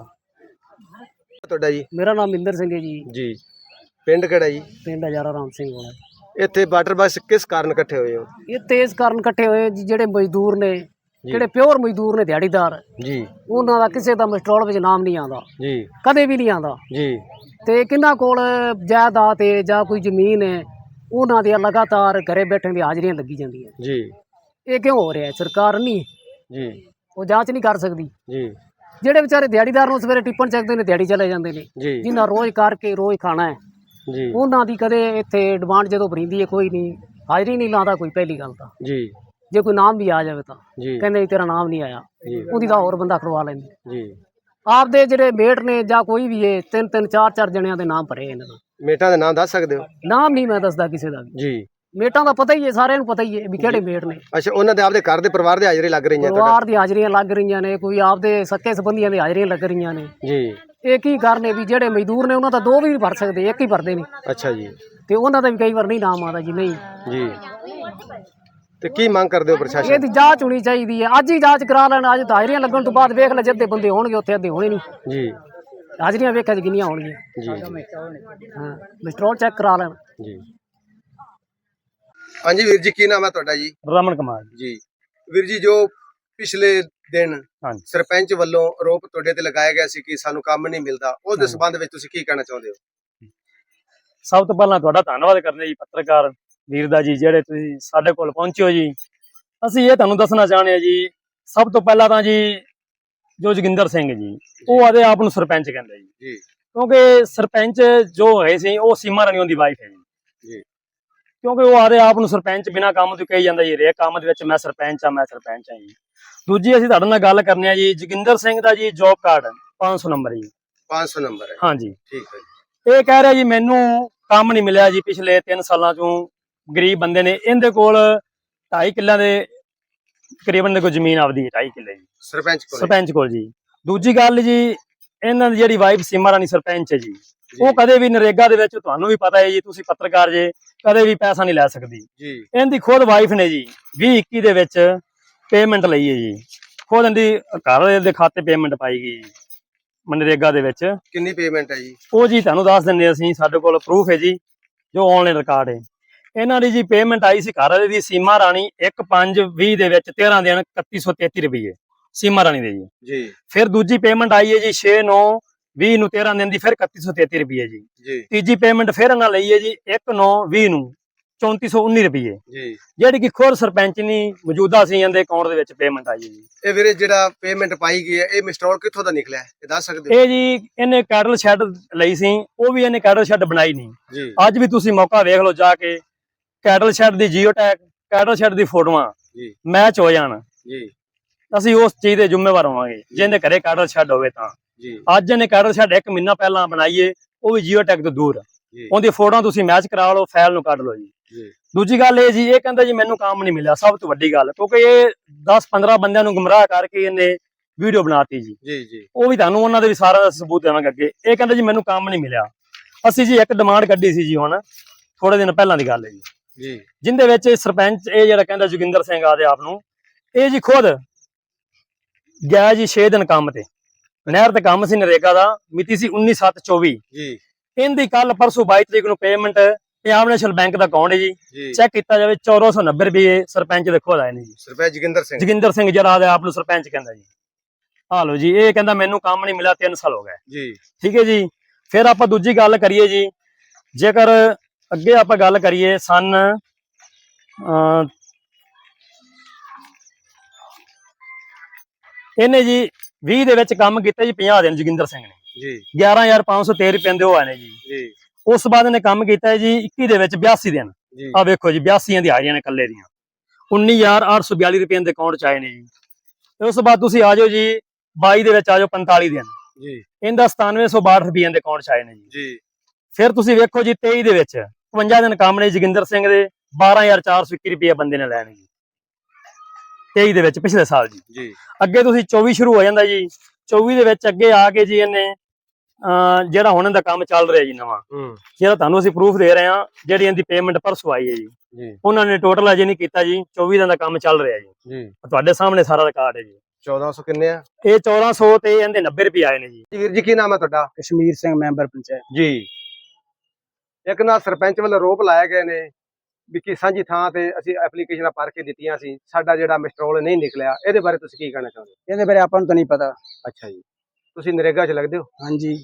B: ਤੁਹਾਡਾ ਜੀ?
C: ਮੇਰਾ ਨਾਮ ਮਿੰਦਰ ਸਿੰਘ ਹੈ ਜੀ,
B: ਜੀ ਪਿੰਡ ਕਿਹੜਾ ਜੀ?
C: ਪਿੰਡ ਹਜ਼ਾਰਾ ਰਾਮ ਸਿੰਘ ਵਾਲਾ।
B: ਇੱਥੇ ਵਾਟਰ ਬੱਸ ਕਿਸ ਕਾਰਨ ਇਕੱਠੇ ਹੋਏ ਹੋ?
C: ਇਹ ਤੇਜ਼ ਕਾਰਨ ਇਕੱਠੇ ਹੋਏ ਜੀ, ਜਿਹੜੇ ਮਜ਼ਦੂਰ ਨੇ, ਜਿਹੜੇ ਪਿਓਰ ਮਜ਼ਦੂਰ ਨੇ, ਦਿਹਾੜੀਦਾਰ,
B: ਜੀ
C: ਉਹਨਾਂ ਦਾ ਕਿਸੇ ਦਾ ਮਿਸਟਰੋਲ ਵਿੱਚ ਨਾਮ ਨਹੀਂ ਆਉਂਦਾ,
B: ਜੀ
C: ਕਦੇ ਵੀ ਨਹੀਂ ਆਉਂਦਾ।
B: ਜੀ
C: ਤੇ ਕਿੰਨਾ ਕੋਲ ਜਾਇਦਾਦ ਹੈ ਜਾਂ ਕੋਈ ਜ਼ਮੀਨ ਹੈ, ਉਹਨਾਂ ਦੀਆਂ ਲਗਾਤਾਰ ਘਰੇ ਬੈਠੇ ਦੀ ਹਾਜ਼ਰੀਆਂ ਲੱਗੀ ਜਾਂਦੀਆਂ।
B: ਜੀ
C: ਇਹ ਕਿਉਂ ਹੋ ਰਿਹਾ? ਸਰਕਾਰ ਨਹੀਂ,
B: ਜੀ
C: ਉਹ ਜਾਂਚ ਨਹੀਂ ਕਰ ਸਕਦੀ।
B: ਜੀ
C: ਜਿਹੜੇ ਵਿਚਾਰੇ ਦਿਹਾੜੀਦਾਰ ਨੂੰ ਸਵੇਰੇ ਟਿੱਪਣ ਚੱਕਦੇ ਨੇ, ਦਿਹਾੜੀ ਚਲੇ ਜਾਂਦੇ ਨੇ,
B: ਜੀ
C: ਜਿਨ੍ਹਾਂ ਰੋਜ਼ ਕਰਕੇ ਰੋਜ਼ ਖਾਣਾ ਹੈ,
B: ਜੀ
C: ਉਹਨਾਂ ਦੀ ਕਦੇ ਇੱਥੇ ਡਿਮਾਂਡ ਜਦੋਂ ਭਰੀਂਦੀ ਹੈ ਕੋਈ ਨਹੀਂ, ਹਾਜ਼ਰੀ ਨਹੀਂ ਲਾਉਂਦਾ ਕੋਈ। ਪਹਿਲੀ ਗੱਲ ਤਾਂ
B: ਜੀ
C: ਜੇ ਕੋਈ ਨਾਮ ਵੀ ਆ ਜਾਵੇ ਤਾਂ
B: ਜੀ
C: ਕਹਿੰਦੇ ਵੀ ਤੇਰਾ ਨਾਮ ਨਹੀਂ ਆਇਆ,
B: ਜੀ
C: ਉਹਦੀ ਤਾਂ ਹੋਰ ਬੰਦਾ ਕਰਵਾ ਲੈਂਦੇ।
B: ਜੀ
C: ਆਪਦੇ ਜਿਹੜੇ ਮੇਟ ਨੇ ਜਾਂ ਕੋਈ ਵੀ ਹੈ, ਤਿੰਨ ਤਿੰਨ ਚਾਰ ਚਾਰ ਜਣਿਆਂ ਦੇ ਨਾਮ ਭਰੇ ਇਹਨਾਂ ਦਾ।
B: ਮੇਟਾਂ ਦੇ ਨਾਮ ਦੱਸ ਸਕਦੇ ਹੋ?
C: ਨਾਮ ਨਹੀਂ ਮੈਂ ਦੱਸਦਾ ਕਿਸੇ ਦਾ ਵੀ,
B: ਜੀ
C: ਮੇਟਾਂ ਦਾ ਪਤਾ ਹੀ ਹੈ, ਸਾਰਿਆਂ ਨੂੰ ਪਤਾ ਹੀ ਹੈ ਵੀ ਕਿਹੜੇ ਮੇਟ ਨੇ।
B: ਅੱਛਾ ਉਹਨਾਂ ਦੇ ਆਪਦੇ ਘਰ ਦੇ ਪਰਿਵਾਰ ਦੇ ਹਾਜ਼ਰੀ ਲੱਗ ਰਹੀਆਂ ਤੁਹਾਡਾ?
C: ਪਰਿਵਾਰ ਦੀ ਹਾਜ਼ਰੀਆਂ ਲੱਗ ਰਹੀਆਂ ਨੇ, ਕੋਈ ਆਪਦੇ ਸੱਕੇ ਸੰਬੰਧੀਆਂ ਦੀ ਹਾਜ਼ਰੀਆਂ ਲੱਗ ਰਹੀਆਂ ਨੇ।
B: ਜੀ
C: ਇਹ ਕੀ ਕਾਰਨ ਹੈ ਵੀ ਜਿਹੜੇ ਮਜ਼ਦੂਰ ਨੇ ਉਹਨਾਂ ਦਾ ਦੋ ਵੀ ਨਹੀਂ ਭਰ ਸਕਦੇ, ਇੱਕ ਹੀ ਭਰਦੇ ਨੇ,
B: ਅੱਛਾ ਜੀ
C: ਤੇ ਉਹਨਾਂ ਦਾ ਵੀ ਕਈ ਵਾਰ ਨਹੀਂ ਨਾਮ ਆਉਂਦਾ ਜੀ। ਨਹੀਂ,
B: ਜੀ ਤੇ ਕੀ ਮੰਗ ਕਰਦੇ ਹੋ ਪ੍ਰਸ਼ਾਸਨ?
C: ਇਹਦੀ ਜਾਂਚ ਹੋਣੀ ਚਾਹੀਦੀ ਹੈ, ਅੱਜ ਹੀ ਜਾਂਚ ਕਰਾ ਲੈਣ। ਅੱਜ ਤਾਂ ਹਾਜ਼ਰੀਆਂ ਲੱਗਣ ਤੋਂ ਬਾਅਦ ਵੇਖ ਲੈ, ਜਿੱਦੇ ਬੰਦੇ ਹੋਣਗੇ ਉੱਥੇ ਅੱਧੇ ਹੋਣੇ ਨਹੀਂ।
B: ਜੀ
C: ਹਾਜ਼ਰੀਆਂ ਵੇਖਿਆ ਕਿੰਨੀਆਂ ਹੋਣਗੀਆਂ।
B: ਜੀ
C: ਹਾਂ, ਮਿਸਟਰੋਲ ਚੈੱਕ ਕਰਾ ਲੈਣ।
B: ਜੀ ਹਾਂਜੀ ਵੀਰ ਜੀ, ਕੀ ਨਾਮ ਹੈ ਤੁਹਾਡਾ ਜੀ?
C: ਰਮਨ ਕੁਮਾਰ
B: ਜੀ ਵੀਰ ਜੀ, ਜੋ ਪਿਛਲੇ ਦਿਨ
C: ਹਾਂਜੀ
B: ਸਰਪੰਚ ਵੱਲੋਂ ਆਰੋਪ ਤੁਹਾਡੇ ਤੇ ਲਗਾਇਆ ਗਿਆ ਸੀ ਕਿ ਸਾਨੂੰ ਕੰਮ ਨਹੀਂ ਮਿਲਦਾ, ਉਸ ਦੇ ਸੰਬੰਧ ਵਿੱਚ ਤੁਸੀਂ ਕੀ ਕਹਿਣਾ ਚਾਹੁੰਦੇ ਹੋ?
C: ਸਭ ਤੋਂ ਪਹਿਲਾਂ ਤੁਹਾਡਾ ਧੰਨਵਾਦ ਕਰਦੇ ਜੀ ਪੱਤਰਕਾਰ ਵੀਰ ਦਾ ਜੀ, ਜਿਹੜੇ ਤੁਸੀਂ ਸਾਡੇ ਕੋਲ ਪਹੁੰਚੇ ਹੋ ਜੀ। ਅਸੀਂ ਇਹ ਤੁਹਾਨੂੰ ਦੱਸਣਾ ਚਾਹੁੰਦੇ ਹਾਂ ਜੀ, ਸਭ ਤੋਂ ਪਹਿਲਾਂ ਤਾਂ ਜੀ ਜੋ ਜੋਗਿੰਦਰ ਸਿੰਘ ਜੀ, ਉਹ ਆਦੇ ਆਪ ਨੂੰ ਸਰਪੰਚ ਕਹਿੰਦੇ ਜੀ,
B: ਜੀ
C: ਕਿਉਂਕਿ ਸਰਪੰਚ ਜੋ ਹੈ ਸੀ ਉਹ ਸੀਮਾ ਰਾਣੀ ਦੀ ਵਾਈਫ ਹੈ ਜੀ।
B: ਜੀ
C: ਕਿਉਂਕਿ ਉਹ ਆਦੇ ਆਪ ਨੂੰ ਸਰਪੰਚ ਬਿਨਾਂ ਕੰਮ ਤੋਂ ਕਹੀ ਜਾਂਦਾ ਜੀ, ਹਰੇਕ ਕੰਮ ਦੇ ਵਿੱਚ ਮੈਂ ਸਰਪੰਚ ਆ ਮੈਂ ਸਰਪੰਚ ਆ ਜੀ। ਦੂਜੀ ਅਸੀਂ ਤੁਹਾਡੇ ਨਾਲ ਗੱਲ ਕਰਨੀ ਆ ਜੀ, ਜੋਗਿੰਦਰ ਸਿੰਘ ਦਾ ਜੀ ਜੋਬ ਕਾਰਡ ਪੰਜ ਸੌ ਨੰਬਰ ਜੀ।
B: ਪੰਜ ਸੌ ਨੰਬਰ ਹੈ?
C: ਹਾਂਜੀ,
B: ਠੀਕ ਹੈ ਜੀ।
C: ਇਹ ਕਹਿ ਰਿਹਾ ਜੀ ਮੈਨੂੰ ਕੰਮ ਨਹੀਂ ਮਿਲਿਆ ਜੀ ਪਿਛਲੇ ਤਿੰਨ ਸਾਲਾਂ ਚੋਂ। ਗਰੀਬ ਬੰਦੇ ਨੇ, ਇਹਦੇ ਕੋਲ ਢਾਈ ਕਿੱਲਿਆਂ ਦੇ ਤਕਰੀਬਨ ਦੇ ਕੋਈ ਜ਼ਮੀਨ ਆਪਦੀ ਢਾਈ ਕਿੱਲੇ ਜੀ
B: ਸਰਪੰਚ ਕੋਲ?
C: ਸਰਪੰਚ ਕੋਲ ਜੀ। ਦੂਜੀ ਗੱਲ ਜੀ, ਇਹਨਾਂ ਦੀ ਜਿਹੜੀ ਵਾਈਫ ਸੀਮਾ ਰਾਣੀ ਸਰਪੰਚ ਹੈ ਜੀ, ਉਹ ਕਦੇ ਵੀ ਨਰੇਗਾ ਦੇ ਵਿੱਚ, ਤੁਹਾਨੂੰ ਵੀ ਪਤਾ ਹੈ ਜੀ, ਤੁਸੀਂ ਪੱਤਰਕਾਰ ਜੇ, ਕਦੇ ਵੀ ਪੈਸਾ ਨਹੀਂ ਲੈ ਸਕਦੀ
B: ਜੀ।
C: ਇਹਦੀ ਖੁਦ ਵਾਈਫ ਨੇ ਜੀ ਵੀਹ ਇੱਕੀ ਦੇ ਵਿੱਚ ਪੇਮੈਂਟ ਲਈ ਹੈ ਜੀ, ਖੁਦ ਇਹਦੀ ਘਰ ਦੇ ਖਾਤੇ ਪੇਮੈਂਟ ਪਾਈ ਗਈ ਮਨਰੇਗਾ ਦੇ ਵਿੱਚ।
B: ਕਿੰਨੀ ਪੇਮੈਂਟ ਹੈ ਜੀ?
C: ਉਹ ਜੀ ਤੁਹਾਨੂੰ ਦੱਸ ਦਿੰਦੇ ਅਸੀਂ, ਸਾਡੇ ਕੋਲ ਪ੍ਰੂਫ ਹੈ ਜੀ, ਜੋ ਆਨਲਾਈਨ ਰਿਕਾਰਡ ਹੈ। ਇਹਨਾਂ ਦੀ ਜੀ ਪੇਮੈਂਟ ਆਈ ਸੀ ਘਰ ਵਾਲੇ ਦੀ ਸੀਮਾ ਰਾਣੀ ਇੱਕ ਪੰਜ ਵੀਹ ਦੇ ਵਿੱਚ ਤੇਰਾਂ ਦਿਨ ਇਕੱਤੀ ਸੌ ਤੇਤੀ ਰੁਪਏ ਸੀਮਾ ਰਾਣੀ ਦੇ ਜੀ।
B: ਜੀ
C: ਫਿਰ ਦੂਜੀ ਪੇਮੈਂਟ ਆਈ ਹੈ ਜੀ ਛੇ ਨੌ ਵੀਹ ਨੂੰ ਤੇਰਾਂ ਦਿਨ ਦੀ, ਫਿਰ ਇਕੱਤੀ ਸੌ ਤੇਤੀ ਰੁਪਏ ਜੀ।
B: ਜੀ
C: ਤੀਜੀ ਪੇਮੈਂਟ ਫਿਰ ਇਹਨਾਂ ਲਈ ਹੈ ਜੀ ਇੱਕ ਨੌ ਵੀਹ ਨੂੰ ਚੌਂਤੀ ਸੌ ਉੱਨੀ ਰੁਪਏ,
B: ਜੀ
C: ਜਿਹੜੀ ਕਿ ਖੁਦ ਸਰਪੰਚ ਨਹੀਂ ਮੌਜੂਦਾ ਸੀ, ਇਹਦੇ ਅਕਾਊਂਟ ਦੇ ਵਿੱਚ ਪੇਮੈਂਟ ਆਈ ਹੈ ਜੀ।
B: ਇਹ ਵੀਰੇ ਜਿਹੜਾ ਪੇਮੈਂਟ ਪਾਈ ਗਈ ਹੈ, ਇਹ ਮਿਸਟਰੋਲ ਕਿੱਥੋਂ ਦਾ ਨਿਕਲਿਆ ਹੈ, ਇਹ ਦੱਸ ਸਕਦੇ ਹੋ?
C: ਇਹ ਜੀ ਇਹਨੇ ਕੈਟਲ ਸ਼ੈੱਡ ਲਈ ਸੀ, ਉਹ ਵੀ ਇਹਨੇ ਕੈਟਲ ਸ਼ੈੱਡ ਬਣਾਈ ਨਹੀਂ।
B: ਜੀ
C: ਅੱਜ ਵੀ ਤੁਸੀਂ ਮੌਕਾ ਵੇਖ ਲਓ ਜਾ ਕੇ, ਕੈਟਲ ਸ਼ੈੱਡ ਦੀ ਜੀਓ ਟੈਗ, ਕੈਟਲ ਸ਼ੈੱਡ ਦੀ ਫੋਟੋਆਂ
B: ਜੀ
C: ਮੈਚ ਹੋ ਜਾਣ,
B: ਜੀ
C: ਅਸੀਂ ਉਸ ਚੀਜ਼ ਦੇ ਜ਼ਿੰਮੇਵਾਰ ਹੋਵਾਂਗੇ ਜਿਹਦੇ ਘਰੇ ਕੈਟਲ ਸ਼ੈੱਡ ਹੋਵੇ ਤਾਂ।
B: ਜੀ
C: ਅੱਜ ਇਹਨੇ ਕੈਟਲ ਸ਼ੈੱਡ ਇੱਕ ਮਹੀਨਾ ਪਹਿਲਾਂ ਬਣਾਈਏ, ਉਹ ਵੀ ਜੀਓ ਟੈਗ ਤੋਂ ਦੂਰ।
B: ਜੀ
C: ਉਹਦੀ ਫੋਟੋਆਂ ਤੁਸੀਂ ਮੈਚ ਕਰਾ ਲਓ, ਫਾਈਲ ਨੂੰ ਕੱਢ ਲਓ ਜੀ।
B: ਜੀ
C: ਦੂਜੀ ਗੱਲ ਇਹ ਜੀ, ਇਹ ਕਹਿੰਦਾ ਜੀ ਮੈਨੂੰ ਕੰਮ ਨਹੀਂ ਮਿਲਿਆ, ਸਭ ਤੋਂ ਵੱਡੀ ਗੱਲ, ਕਿਉਂਕਿ ਇਹ ਦਸ ਪੰਦਰਾਂ ਬੰਦਿਆਂ ਨੂੰ ਗੁੰਮਰਾਹ ਕਰਕੇ ਇਹਨੇ ਵੀਡੀਓ ਬਣਾਤੀ ਜੀ।
B: ਜੀ ਜੀ
C: ਉਹ ਵੀ ਤੁਹਾਨੂੰ ਉਹਨਾਂ ਦੇ ਵੀ ਸਾਰਾ ਸਬੂਤ ਦੇਵਾਂਗੇ ਅੱਗੇ। ਇਹ ਕਹਿੰਦਾ ਜੀ ਮੈਨੂੰ ਕੰਮ ਨਹੀਂ ਮਿਲਿਆ। ਅਸੀਂ ਜੀ ਇੱਕ ਡਿਮਾਂਡ ਕੱਢੀ ਸੀ ਜੀ, ਹੁਣ ਥੋੜੇ ਦਿਨ ਪਹਿਲਾਂ ਦੀ ਗੱਲ ਹੈ ਜੀ,
B: ਜੀ
C: ਜਿੰਦੇ ਵਿੱਚ ਇਹ ਸਰਪੰਚ ਇਹ ਜਿਹੜਾ ਕਹਿੰਦਾ ਜੋਗਿੰਦਰ ਸਿੰਘ ਆਦੇ ਆਪ ਨੂੰ, ਇਹ ਜੀ ਖੁਦ ਗਿਆ ਜੀ ਛੇ ਦਿਨ ਕੰਮ ਤੇ, ਨਹਿਰ ਤੇ ਕੰਮ ਸੀ ਨਰੇਗਾ ਦਾ, ਮਿਤੀ ਸੀ ਉੱਨੀ ਸੱਤ ਚੌਵੀ।
B: ਜੀ
C: ਇਹਦੀ ਕੱਲ ਪਰਸੋਂ ਬਾਈ ਤਰੀਕ ਨੂੰ ਪੇਮੈਂਟ ਪੰਜਾਬ ਨੈਸ਼ਨਲ ਬੈਂਕ ਦਾ ਅਕਾਊਂਟ ਹੈ ਜੀ
B: ਜੀ
C: ਚੈੱਕ ਕੀਤਾ ਜਾਵੇ ਚੌਦਾਂ ਸੌ ਨੱਬੇ ਰੁਪਏ ਸਰਪੰਚ ਦੇ ਖੁਦ ਆਏ ਨੇ ਜੀ।
B: ਸਰਪੰਚ ਜੋਗਿੰਦਰ ਸਿੰਘ
C: ਜੋਗਿੰਦਰ ਸਿੰਘ ਜਿਹੜਾ ਆਪ ਨੂੰ ਸਰਪੰਚ ਕਹਿੰਦਾ ਜੀ। ਹਾਲ ਲੋ ਜੀ, ਇਹ ਕਹਿੰਦਾ ਮੈਨੂੰ ਕੰਮ ਨਹੀਂ ਮਿਲਿਆ ਤਿੰਨ ਸਾਲ ਹੋ ਗਏ।
B: ਜੀ
C: ਠੀਕ ਹੈ ਜੀ। ਫਿਰ ਆਪਾਂ ਦੂਜੀ ਗੱਲ ਕਰੀਏ ਜੀ, ਜੇਕਰ ਅੱਗੇ ਆਪਾਂ ਗੱਲ ਕਰੀਏ ਸਨ ਅਹ ਇਹਨੇ ਜੀ ਵੀਹ ਦੇ ਵਿੱਚ ਕੰਮ ਕੀਤਾ ਜੀ ਪੰਜਾਹ ਦਿਨ ਜੋਗਿੰਦਰ ਸਿੰਘ ਨੇ
B: ਜੀ
C: ਗਿਆਰਾਂ ਹਜ਼ਾਰ ਪੰਜ ਸੌ ਤੇਰਾਂ ਰੁਪਏ ਦੇ ਉਹ ਆਏ ਨੇ ਜੀ।
B: ਜੀ
C: ਉਸ ਤੋਂ ਬਾਅਦ ਇਹਨੇ ਕੰਮ ਕੀਤਾ ਹੈ ਜੀ ਇੱਕੀ ਦੇ ਵਿੱਚ ਬਿਆਸੀ ਦਿਨ।
B: ਜੀ
C: ਆ ਵੇਖੋ ਜੀ ਬਿਆਸੀ ਦੀ ਹਾਜ਼ਰੀਆਂ ਨੇ ਕੱਲੇ ਦੀਆਂ ਉੱਨੀ ਹਜ਼ਾਰ ਅੱਠ ਸੌ ਬਿਆਲੀ ਰੁਪਏ ਦੇ ਅਕਾਊਂਟ ਚ ਆਏ ਨੇ ਜੀ। ਤੇ ਉਸ ਤੋਂ ਬਾਅਦ ਤੁਸੀਂ ਆ ਜਾਓ ਜੀ ਬਾਈ ਦੇ ਵਿੱਚ ਆ ਜਾਓ ਪੰਤਾਲੀ ਦਿਨ,
B: ਜੀ
C: ਇਹਦਾ ਸਤਾਨਵੇਂ ਸੌ ਬਾਹਠ ਰੁਪਏ ਦੇ ਅਕਾਊਂਟ ਚ ਆਏ ਨੇ ਜੀ।
B: ਜੀ
C: ਫਿਰ ਤੁਸੀਂ ਵੇਖੋ ਜੀ ਤੇਈ ਦੇ ਵਿੱਚ ਇਕਵੰਜਾ ਦਿਨ ਕੰਮ ਨੇ ਜੋਗਿੰਦਰ ਸਿੰਘ ਦੇ ਬਾਰਾਂ ਹਜ਼ਾਰ ਚਾਰ ਸੌ ਇੱਕੀ ਰੁਪਏ ਬੰਦੇ ਨੇ ਲੈਣੇ ਜੀ ਤੇਈ ਦੇ ਵਿੱਚ ਪਿਛਲੇ ਸਾਲ ਜੀ।
B: ਜੀ
C: ਅੱਗੇ ਤੁਸੀਂ ਚੌਵੀ ਸ਼ੁਰੂ ਹੋ ਜਾਂਦਾ ਜੀ, ਚੌਵੀ ਦੇ ਵਿੱਚ ਅੱਗੇ ਆ ਕੇ ਜੀ ਇਹਨੇ ਅਹ ਜਿਹੜਾ ਹੁਣ ਇਹਦਾ ਕੰਮ ਚੱਲ ਰਿਹਾ ਜੀ ਨਵਾਂ,
B: ਹੂੰ
C: ਜਿਹੜਾ ਤੁਹਾਨੂੰ ਅਸੀਂ ਪ੍ਰੂਫ ਦੇ ਰਹੇ ਹਾਂ, ਜਿਹੜੀ ਇਹਦੀ ਪੇਮੈਂਟ ਪਰਸੋਂ ਆਈ ਹੈ ਜੀ,
B: ਜੀ
C: ਉਹਨਾਂ ਨੇ ਟੋਟਲ ਅਜੇ ਨਹੀਂ ਕੀਤਾ ਜੀ। ਚੌਵੀ ਦਿਨ ਦਾ ਕੰਮ ਚੱਲ ਰਿਹਾ ਜੀ,
B: ਜੀ
C: ਤੁਹਾਡੇ ਸਾਹਮਣੇ ਸਾਰਾ ਰਿਕਾਰਡ ਹੈ ਜੀ।
B: ਚੌਦਾਂ ਸੌ ਕਿੰਨੇ ਆ
C: ਇਹ ਚੌਦਾਂ ਸੌ ਤੇ ਇਹਦੇ ਨੱਬੇ ਰੁਪਏ ਆਏ ਨੇ ਜੀ।
B: ਵੀਰ ਜੀ ਕੀ ਨਾਮ ਹੈ ਤੁਹਾਡਾ?
F: ਕਸ਼ਮੀਰ ਸਿੰਘ ਮੈਂਬਰ ਪੰਚਾਇਤ।
B: ਜੀ ਇੱਕ ਨਾ ਸਰਪੰਚ ਵੱਲੋਂ ਆਰੋਪ ਲਾਏ ਗਏ ਨੇ ਵੀ ਕਿ ਸਾਂਝੀ ਥਾਂ ਤੇ ਅਸੀਂ ਐਪਲੀਕੇਸ਼ਨਾਂ ਭਰ ਕੇ ਦਿੱਤੀਆਂ ਸੀ, ਸਾਡਾ ਜਿਹੜਾ ਮਿਸਟਰੋਲ ਨਹੀਂ ਨਿਕਲਿਆ, ਇਹਦੇ ਬਾਰੇ ਤੁਸੀਂ ਕੀ ਕਹਿਣਾ ਚਾਹੁੰਦੇ ਹੋ?
F: ਇਹਦੇ ਬਾਰੇ ਆਪਾਂ ਨੂੰ ਤਾਂ ਨਹੀਂ ਪਤਾ।
B: ਅੱਛਾ ਜੀ, ਤੁਸੀਂ ਨਰੇਗਾ 'ਚ ਲੱਗਦੇ ਹੋ?
F: ਹਾਂਜੀ,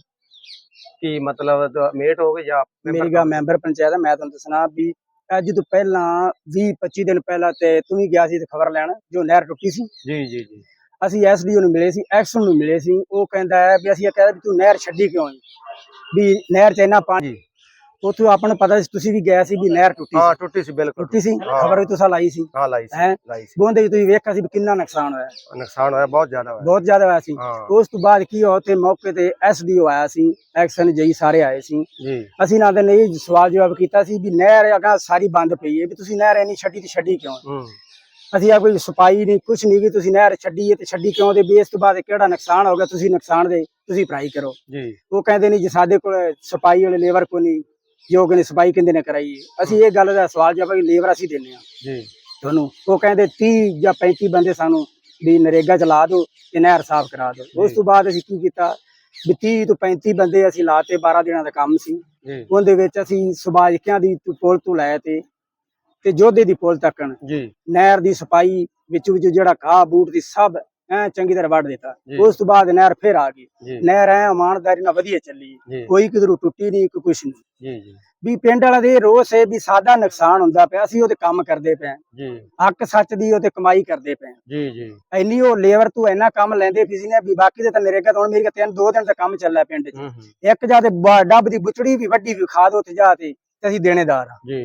B: ਕੀ ਮਤਲਬ ਮੇਟ ਹੋ ਗਏ ਜਾਂ
F: ਮੇਰੀ ਗਾ ਮੈਂਬਰ ਪੰਚਾਇਤ ਆ। ਮੈਂ ਤੁਹਾਨੂੰ ਦੱਸਣਾ ਵੀ ਅੱਜ ਤੋਂ ਪਹਿਲਾਂ ਵੀਹ ਪੱਚੀ ਦਿਨ ਪਹਿਲਾਂ ਤੇ ਤੂੰ ਵੀ ਗਿਆ ਸੀ ਤੇ ਖਬਰ ਲੈਣ ਜੋ ਨਹਿਰ ਟੁੱਟੀ ਸੀ।
B: ਜੀ ਜੀ ਜੀ
F: ਅਸੀਂ ਐਸਡੀਓ ਨੂੰ ਮਿਲੇ ਸੀ, ਐਕਸ਼ਨ ਨੂੰ ਮਿਲੇ ਸੀ। ਉਹ ਕਹਿੰਦਾ ਹੈ ਵੀ ਅਸੀਂ ਇਹ ਕਹਿੰਦਾ ਵੀ ਤੂੰ ਨਹਿਰ ਛੱਡੀ ਕਿਉਂ ਹੈ, ਵੀ ਨਹਿਰ 'ਚ ਇੰਨਾ ਪਾਣੀ। ਉੱਥੋਂ ਆਪਾਂ ਨੂੰ ਪਤਾ ਸੀ, ਤੁਸੀਂ ਵੀ ਗਏ ਸੀ ਵੀ ਨਹਿਰ ਟੁੱਟੀ
B: ਹਾਂ
F: ਸੀ।
B: ਟੁੱਟੀ ਸੀ, ਬਿਲਕੁਲ
F: ਟੁੱਟੀ ਸੀ,
B: ਹਾਂ।
F: ਖਬਰ ਵੀ ਤੁਸੀਂ ਲਾਈ ਸੀ।
B: ਹਾਂ ਲਾਈ ਸੀ
F: ਹੈਂ?
B: ਲਾਈ ਸੀ।
F: ਬੋਂਦੇ ਤੁਸੀਂ ਵੇਖਿਆ ਸੀ ਵੀ ਕਿੰਨਾ ਨੁਕਸਾਨ ਹੋਇਆ,
B: ਨੁਕਸਾਨ ਹੋਇਆ, ਬਹੁਤ ਜ਼ਿਆਦਾ ਹੋਇਆ।
F: ਬਹੁਤ ਜ਼ਿਆਦਾ ਹੋਇਆ ਸੀ।
B: ਹਾਂ
F: ਉਸ ਤੋਂ ਬਾਅਦ ਕੀ ਹੋਇਆ, ਉੱਥੇ ਮੌਕੇ ਤੇ ਐਸਡੀਓ ਆਇਆ ਸੀ, ਐਕਸ਼ਨ ਜਈ ਸਾਰੇ ਆਏ ਸੀ।
B: ਜੀ
F: ਅਸੀਂ ਨਾ ਤੇ ਨਹੀਂ ਸਵਾਲ ਜਵਾਬ ਕੀਤਾ ਸੀ ਵੀ ਨਹਿਰ ਅਗਾ ਸਾਰੀ ਬੰਦ ਪਈ ਹੈ, ਵੀ ਤੁਸੀਂ ਨਹਿਰ ਇੰਨੀ ਛੱਡੀ ਤੇ ਛੱਡੀ ਕਿਉਂ?
B: ਹੂੰ
F: ਅਸੀਂ ਆ ਕੋਈ ਸਫਾਈ ਨਹੀਂ ਕੁਛ ਨਹੀਂ, ਵੀ ਤੁਸੀਂ ਨਹਿਰ ਛੱਡੀ ਹੈ ਤੇ ਛੱਡੀ ਕਿਉਂ ਦੇ, ਵੀ ਇਸ ਤੋਂ ਬਾਅਦ ਕਿਹੜਾ ਨੁਕਸਾਨ ਹੋ ਗਿਆ, ਤੁਸੀਂ ਨੁਕਸਾਨ ਦੇ ਤੁਸੀਂ ਭਰਾਈ ਕਰੋ।
B: ਜੀ
F: ਉਹ ਕਹਿੰਦੇ ਨਹੀਂ ਜੀ ਸਾਡੇ ਕੋਲ ਸਫਾਈ ਵਾਲੇ ਲੇਬਰ ਕੋ ਨਹੀਂ, ਜੋ ਕਹਿੰਦੇ ਸਫਾਈ ਕਿੰਦੇ ਨੇ ਕਰਾਈ ਹੈ। ਅਸੀਂ ਇਹ ਗੱਲ ਦਾ ਸਵਾਲ ਜਵਾਬ ਕਿ ਲੇਬਰ ਅਸੀਂ ਦਿੰਦੇ ਹਾਂ
B: ਜੀ
F: ਤੁਹਾਨੂੰ। ਉਹ ਕਹਿੰਦੇ ਤੀਹ ਜਾਂ ਪੈਂਤੀ ਬੰਦੇ ਸਾਨੂੰ ਵੀ ਨਰੇਗਾ ਚ ਲਾ ਦਿਓ ਤੇ ਨਹਿਰ ਸਾਫ਼ ਕਰਾ ਦਿਓ। ਉਸ ਤੋਂ ਬਾਅਦ ਅਸੀਂ ਕੀ ਕੀਤਾ ਵੀ ਤੀਹ ਤੋਂ ਪੈਂਤੀ ਬੰਦੇ ਅਸੀਂ ਲਾਤੇ, ਬਾਰਾਂ ਦਿਨਾਂ ਦਾ ਕੰਮ ਸੀ।
B: ਜੀ
F: ਉਹਦੇ ਵਿੱਚ ਅਸੀਂ ਸੁਭਾਜਕਿਆਂ ਦੀ ਪੁਲ ਤੋਂ ਲੈ ਤੇ ਤੇ ਜੋਧੇ ਦੀ ਪੁਲ ਤੱਕਣ
B: ਜੀ
F: ਨਹਿਰ ਦੀ ਸਫਾਈ ਵਿੱਚ ਵਿੱਚ ਜਿਹੜਾ ਘਾਹ ਬੂਟ ਦੀ ਸਭ ਐ ਚੰਗੀ ਤਰ੍ਹਾਂ ਵੱਢ ਦਿੱਤਾ।
B: ਜੀ।
F: ਉਸ ਤੋਂ ਬਾਅਦ ਨਹਿਰ ਫਿਰ ਆ ਗਈ।
B: ਜੀ
F: ਨਹਿਰ ਐ ਇਮਾਨਦਾਰੀ ਨਾਲ ਵਧੀਆ ਚੱਲੀ,
B: ਜੀ
F: ਕੋਈ ਕਿਧਰੋਂ ਟੁੱਟੀ ਨਹੀਂ, ਕੋਈ ਕੁਛ ਨਹੀਂ।
B: ਜੀ ਜੀ
F: ਵੀ ਪਿੰਡ ਵਾਲਾ ਦੇ ਰੋਸ ਹੈ ਵੀ ਸਾਡਾ ਨੁਕਸਾਨ ਹੁੰਦਾ ਪਿਆ, ਅਸੀਂ ਉਹਦੇ ਕੰਮ ਕਰਦੇ ਪਏ,
B: ਜੀ
F: ਹੱਕ ਸੱਚ ਦੀ ਉਹਤੇ ਕਮਾਈ ਕਰਦੇ ਪਏ।
B: ਜੀ ਜੀ
F: ਇੰਨੀ ਉਹ ਲੇਬਰ ਤੋਂ ਇੰਨਾ ਕੰਮ ਲੈਂਦੇ ਪਈ ਸੀ ਨੇ ਵੀ ਬਾਕੀ ਦੇ ਤਾਂ ਨਰੇਗਾ ਤੋਂ ਹੁਣ ਮੇਰੀ ਤਿੰਨ ਦੋ ਦਿਨ ਦਾ ਕੰਮ ਚੱਲਿਆ ਪਿੰਡ 'ਚ।
B: ਹੂੰ ਹੂੰ
F: ਇੱਕ ਜਾ ਤੇ ਬ- ਡੱਬ ਦੀ ਬੁਚੜੀ ਵੀ ਵੱਡੀ ਵੀ ਖਾ ਦੋ ਤੇ ਜਾ ਤੇ ਤੇ ਅਸੀਂ ਦੇਣੇਦਾਰ ਆ।
B: ਜੀ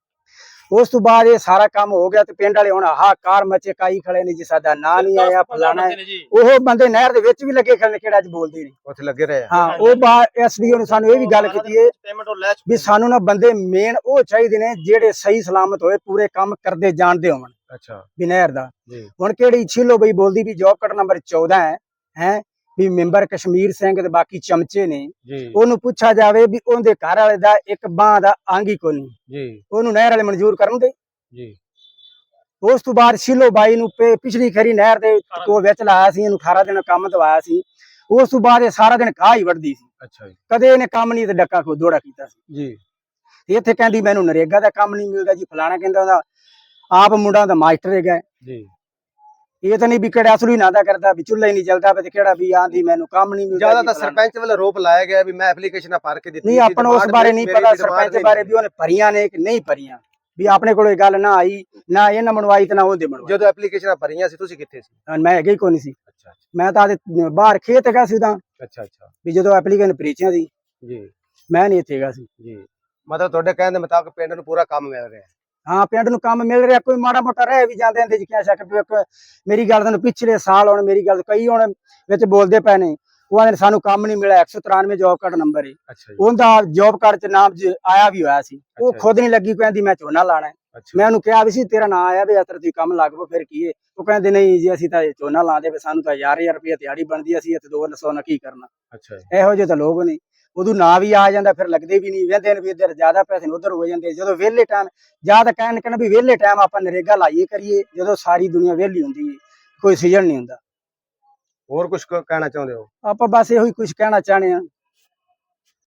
F: ਉਸ ਤੋਂ ਬਾਅਦ ਇਹ ਸਾਰਾ ਕੰਮ ਹੋ ਗਿਆ ਤੇ ਪਿੰਡ ਵਾਲੇ ਹੁਣ ਆਹ ਕਾਰ ਮੱਚੇ ਕਾਈ ਖੜੇ ਨੇ ਜੀ, ਸਾਡਾ ਨਾਂ ਨਹੀਂ ਆਇਆ ਫਲਾਣਾ ਹੈ। ਉਹ ਬੰਦੇ ਨਹਿਰ ਦੇ ਵਿੱਚ ਵੀ ਲੱਗੇ ਖੜੇ ਨੇ, ਕਿਹੜਾ ਅੱਜ ਬੋਲਦੇ ਨਹੀਂ।
B: ਉੱਥੇ ਲੱਗੇ ਰਹੇ ਆ।
F: ਹਾਂ ਉਹ ਬਾਅਦ ਐਸਡੀਓ ਨੇ ਸਾਨੂੰ ਇਹ ਵੀ ਗੱਲ ਕੀਤੀ ਹੈ ਵੀ ਸਾਨੂੰ ਨਾ ਬੰਦੇ ਮੇਨ ਉਹ ਚਾਹੀਦੇ ਨੇ ਜਿਹੜੇ ਸਹੀ ਸਲਾਮਤ ਹੋਏ, ਪੂਰੇ ਕੰਮ ਕਰਦੇ ਜਾਣਦੇ ਹੋਣ
B: ਅੱਛਾ
F: ਵੀ ਨਹਿਰ ਦਾ।
B: ਜੀ
F: ਹੁਣ ਕਿਹੜੀ ਛਿੱਲੋ ਬਈ ਬੋਲਦੀ ਵੀ ਜੋਬ ਕੱਟ ਨੰਬਰ ਚੌਦਾਂ ਹੈ ਹੈ ਵੀ ਮੈਂਬਰ ਕਸ਼ਮੀਰ ਸਿੰਘ ਤੇ ਬਾਕੀ ਚਮਚੇ ਨੇ।
B: ਜੀ
F: ਉਹਨੂੰ ਪੁੱਛਿਆ ਜਾਵੇ ਵੀ ਉਹਦੇ ਘਰ ਵਾਲੇ ਦਾ ਇੱਕ ਬਾਂਹ ਦਾ ਅੰਗ ਹੀ ਕੋਈ ਨਹੀਂ,
B: ਜੀ
F: ਉਹਨੂੰ ਨਹਿਰ ਵਾਲੇ ਮਨਜ਼ੂਰ ਕਰਨ ਦੇ।
B: ਜੀ
F: ਉਸ ਤੋਂ ਬਾਅਦ ਸ਼ਿਲੋ ਬਾਈ ਨੂੰ ਪੇ- ਪਿਛਲੀ ਖਰੀ ਨਹਿਰ ਦੇ ਕੋਲ ਵਿੱਚ ਲਾਇਆ ਸੀ, ਇਹਨੂੰ ਅਠਾਰਾਂ ਦਿਨ ਕੰਮ ਦਵਾਇਆ ਸੀ। ਉਸ ਤੋਂ ਬਾਅਦ ਇਹ ਸਾਰਾ ਦਿਨ ਘਾਹ ਹੀ ਵੱਢਦੀ ਸੀ,
B: ਅੱਛਾ ਜੀ
F: ਕਦੇ ਇਹਨੇ ਕੰਮ ਨਹੀਂ ਤੇ ਡੱਕਾ ਕੋ ਦੋੜਾ ਕੀਤਾ ਸੀ।
B: ਜੀ
F: ਤੇ ਇੱਥੇ ਕਹਿੰਦੀ ਮੈਨੂੰ ਨਰੇਗਾ ਦਾ ਕੰਮ ਨਹੀਂ ਮਿਲਦਾ ਜੀ, ਫਲਾਣਾ ਕਹਿੰਦਾ ਉਹਦਾ ਆਪ ਮੁੰਡਾ ਦਾ ਮਾਸਟਰ ਹੈਗਾ।
B: ਜੀ
F: ਇਹ ਤਾਂ ਨਹੀਂ ਵੀ ਕਿਹੜਾ ਅਸਲੀ ਨਾ ਦਾ ਕਰਦਾ ਵੀ ਚੁੱਲ੍ਹਾ ਹੀ ਨਹੀਂ ਚੱਲਦਾ ਤੇ ਕਿਹੜਾ ਵੀ ਆਂਦੀ ਮੈਨੂੰ ਕੰਮ ਨਹੀਂ ਮਿਲਦਾ।
B: ਜਿਆਦਾ
F: ਜੀ
B: ਤਾਂ
F: ਫਲਾਣਾ।
B: ਸਰਪੰਚ ਵੱਲੋਂ ਆਰੋਪ ਲਾਇਆ ਗਿਆ ਵੀ ਮੈਂ ਐਪਲੀਕੇਸ਼ਨਾਂ ਭਰ ਕੇ ਦਿੱਤੀ
F: ਨਹੀਂ ਆਪਾਂ ਨੂੰ ਉਸ ਬਾਰੇ ਨਹੀਂ ਪਤਾ, ਸਰਪੰਚ ਬਾਰੇ ਵੀ ਉਹਨੇ ਭਰੀਆਂ ਨੇ ਕਿ ਨਹੀਂ ਭਰੀਆਂ, ਵੀ ਆਪਣੇ ਕੋਲ ਇਹ ਗੱਲ ਨਾ ਆਈ, ਨਾ ਇਹਨਾਂ ਮਨਵਾਈ ਤੇ ਨਾ ਉਹਦੇ ਮਨਵਾਈ।
B: ਜਦੋਂ ਐਪਲੀਕੇਸ਼ਨਾਂ ਭਰੀਆਂ ਸੀ ਤੁਸੀਂ ਕਿੱਥੇ ਸੀ?
F: ਮੈਂ ਹੈਗਾ ਹੀ ਕੋਈ ਨਹੀਂ ਸੀ,
B: ਅੱਛਾ
F: ਮੈਂ ਤਾਂ ਆਦੇ ਬਾਹਰ ਖੇਤ ਹੈਗਾ ਸੀ ਤਾਂ,
B: ਅੱਛਾ ਅੱਛਾ
F: ਵੀ ਜਦੋਂ ਐਪਲੀਕੇਸ਼ਨ ਭਰੀਚੀਆਂ ਸੀ
B: ਜੀ
F: ਮੈਂ ਨਹੀਂ ਇੱਥੇ ਹੈਗਾ ਸੀ।
B: ਜੀ ਮਤਲਬ ਤੁਹਾਡੇ ਕਹਿਣ ਦੇ ਮੁਤਾਬਕ ਪਿੰਡ ਨੂੰ ਪੂਰਾ ਕੰਮ ਮਿਲ ਰਿਹਾ ਹੈ।
F: ਹਾਂ ਪਿੰਡ ਨੂੰ ਕੰਮ ਮਿਲ ਰਿਹਾ, ਕੋਈ ਮਾੜਾ ਮੋਟਾ ਰਹਿ ਵੀ ਜਾਂਦੇ ਇਹਦੇ ਚ ਕਿਆ ਸ਼ੱਕ ਵੀ। ਇੱਕ ਮੇਰੀ ਗੱਲ ਤੁਹਾਨੂੰ ਪਿਛਲੇ ਸਾਲ ਹੁਣ ਮੇਰੀ ਗੱਲ ਕਈ ਹੁਣ ਵਿੱਚ ਬੋਲਦੇ ਪਏ ਨੇ, ਉਹਨਾਂ ਨੇ ਸਾਨੂੰ ਕੰਮ ਨਹੀਂ ਮਿਲਿਆ। ਇੱਕ ਸੌ ਤਰਾਨਵੇਂ ਜੋਬ ਕਾਰਡ ਨੰਬਰ ਹੈ
B: ਅੱਛਾ ਜੀ
F: ਉਹਦਾ, ਜੋਬ ਕਾਰਡ ਚ ਨਾਮ ਜ- ਆਇਆ ਵੀ ਹੋਇਆ ਸੀ। ਉਹ
B: ਅੱਛਾ।
F: ਖੁਦ ਨਹੀਂ ਲੱਗੀ, ਕਹਿੰਦੀ ਮੈਂ ਝੋਨਾ ਲਾਣਾ ਹੈ।
B: ਅੱਛਾ
F: ਮੈਂ ਉਹਨੂੰ ਕਿਹਾ ਵੀ ਸੀ ਤੇਰਾ ਨਾਂ ਆਇਆ ਵੀ ਅਤਰ ਤੁਸੀਂ ਕੰਮ ਲੱਗ ਪਓ, ਫਿਰ ਕੀ ਹੈ? ਉਹ ਕਹਿੰਦੇ ਨਹੀਂ ਜੀ ਅਸੀਂ ਤਾਂ ਇਹ ਝੋਨਾ ਲਾਉਂਦੇ ਵੀ ਸਾਨੂੰ ਤਾਂ ਹਜ਼ਾਰ ਹਜ਼ਾਰ ਰੁਪਏ ਦਿਹਾੜੀ ਬਣਦੀ, ਅਸੀਂ ਇੱਥੇ ਦੋ ਸੌ ਨਾਲ ਕੀ ਕਰਨਾ।
B: ਅੱਛਾ ਜੀ
F: ਇਹੋ ਜਿਹੇ ਤਾਂ ਲੋਕ ਨੇ, ਉਦੋਂ ਨਾਂ ਵੀ ਆ ਜਾਂਦਾ ਫਿਰ ਲੱਗਦੇ ਵੀ ਨਹੀਂ, ਵੇਂਦੇ ਨੇ ਵੀ ਇੱਧਰ ਜ਼ਿਆਦਾ ਪੈਸੇ ਨੇ ਉਧਰ ਹੋ ਜਾਂਦੇ। ਜਦੋਂ ਵਿਹਲੇ ਟਾਈਮ ਜਾਂ ਤਾਂ ਕਹਿਣ ਕਹਿਣਾ ਵੀ ਵਿਹਲੇ ਟਾਈਮ ਆਪਾਂ ਨਰੇਗਾ ਲਾਈਏ ਕਰੀਏ, ਜਦੋਂ ਸਾਰੀ ਦੁਨੀਆ ਵਿਹਲੀ ਹੁੰਦੀ ਹੈ, ਕੋਈ ਸੀਜ਼ਨ ਨਹੀਂ ਹੁੰਦਾ।
B: ਹੋਰ ਕੁਝ ਕਹਿਣਾ ਚਾਹੁੰਦੇ ਹੋ?
F: ਆਪਾਂ ਬਸ ਇਹੋ ਹੀ ਕੁਝ ਕਹਿਣਾ ਚਾਹਣੇ ਆ